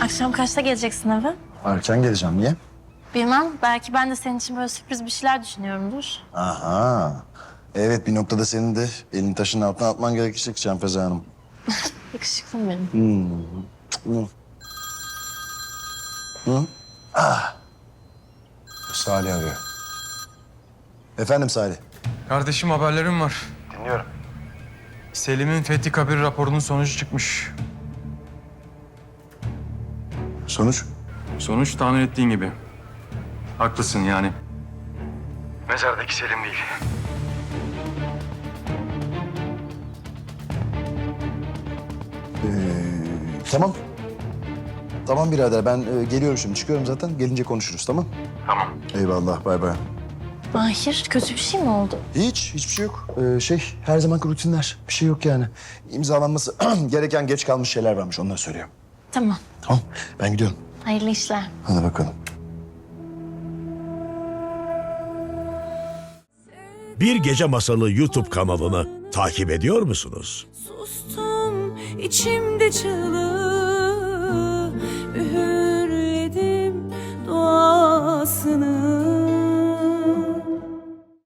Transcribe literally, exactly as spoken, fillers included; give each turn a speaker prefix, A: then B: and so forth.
A: Akşam kaçta geleceksin eve?
B: Erken geleceğim. Niye?
A: Bilmem. Belki ben de senin için böyle sürpriz bir şeyler düşünüyorumdur.
B: Aha. Evet, bir noktada senin de elini taşın altına atman gerekecek Canfeze Hanım.
A: Yakışıklı benim.
B: Hı. Hı? Ah. Salih arıyor. Efendim Salih.
C: Kardeşim haberlerim var.
B: Dinliyorum.
C: Selim'in Fethi Kabir raporunun sonucu çıkmış.
B: Sonuç?
C: Sonuç tahmin ettiğin gibi. Haklısın yani. Mezardaki Selim değil.
B: Ee, tamam. Tamam birader, ben e, geliyorum şimdi. Çıkıyorum zaten. Gelince konuşuruz, tamam?
C: Tamam.
B: Eyvallah, bay bay.
A: Mahir, kötü bir şey mi oldu?
B: Hiç, hiçbir şey yok. Ee, şey, her zamanki rutinler. Bir şey yok yani. İmzalanması gereken geç kalmış şeyler varmış, onları söylüyorum.
A: Tamam.
B: Tamam, ben gidiyorum.
A: Hayırlı işler.
B: Hadi bakalım.
D: Bir Gece Masalı YouTube kanalını takip ediyor musunuz?
E: Sustum içimde çığlığı, üğür